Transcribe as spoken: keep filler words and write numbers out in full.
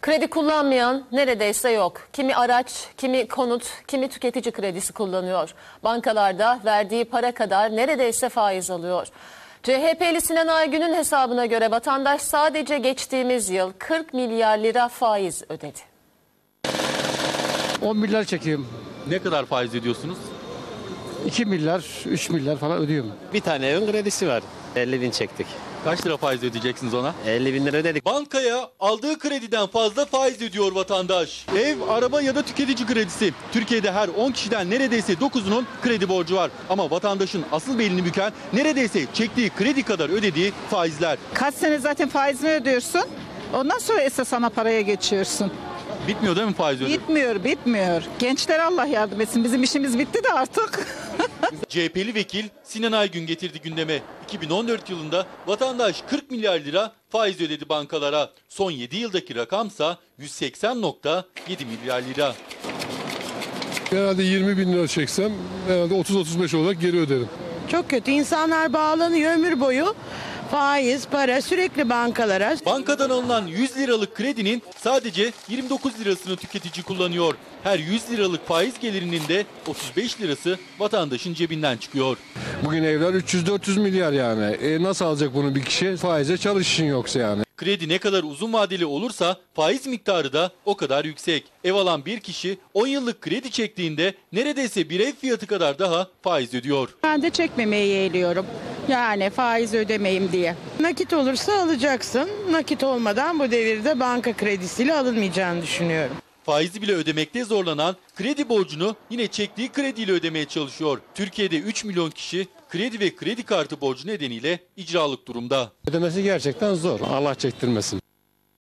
Kredi kullanmayan neredeyse yok. Kimi araç, kimi konut, kimi tüketici kredisi kullanıyor. Bankalarda verdiği para kadar neredeyse faiz alıyor. C H P'li Sinan Aygün'ün hesabına göre vatandaş sadece geçtiğimiz yıl kırk milyar lira faiz ödedi. on milyar çekiyorum. Ne kadar faiz ödüyorsunuz? iki milyar, üç milyar falan ödüyorum. Bir tane evin kredisi var. elli bin çektik. Kaç lira faiz ödeyeceksiniz ona? elli bin lira ödedik. Bankaya aldığı krediden fazla faiz ödüyor vatandaş. Ev, araba ya da tüketici kredisi. Türkiye'de her on kişiden neredeyse dokuzunun kredi borcu var. Ama vatandaşın asıl belini büken neredeyse çektiği kredi kadar ödediği faizler. Kaç sene zaten faizini ödüyorsun. Ondan sonra esas ana paraya geçiyorsun. Bitmiyor değil mi faiz ödeme? Bitmiyor, bitmiyor. Gençler Allah yardım etsin. Bizim işimiz bitti de artık. C H P'li vekil Sinan Aygün getirdi gündeme. iki bin on dört yılında vatandaş kırk milyar lira faiz ödedi bankalara. Son yedi yıldaki rakamsa yüz seksen nokta yedi milyar lira. Herhalde yirmi bin lira çeksem herhalde otuz otuz beş olarak geri öderim. Çok kötü. İnsanlar bağlanıyor ömür boyu. Faiz, para sürekli bankalara. Bankadan alınan yüz liralık kredinin sadece yirmi dokuz lirasını tüketici kullanıyor. Her yüz liralık faiz gelirinin de otuz beş lirası vatandaşın cebinden çıkıyor. Bugün evler üç yüz dört yüz milyar yani. E nasıl alacak bunu bir kişi? Faize çalışın yoksa yani. Kredi ne kadar uzun vadeli olursa faiz miktarı da o kadar yüksek. Ev alan bir kişi on yıllık kredi çektiğinde neredeyse bir ev fiyatı kadar daha faiz ödüyor. Ben de çekmemeyi yeğliyorum. Yani faiz ödemeyim diye. Nakit olursa alacaksın. Nakit olmadan bu devirde banka kredisiyle alınmayacağını düşünüyorum. Faizi bile ödemekte zorlanan kredi borcunu yine çektiği krediyle ödemeye çalışıyor. Türkiye'de üç milyon kişi kredi ve kredi kartı borcu nedeniyle icralık durumda. Ödemesi gerçekten zor. Allah çektirmesin.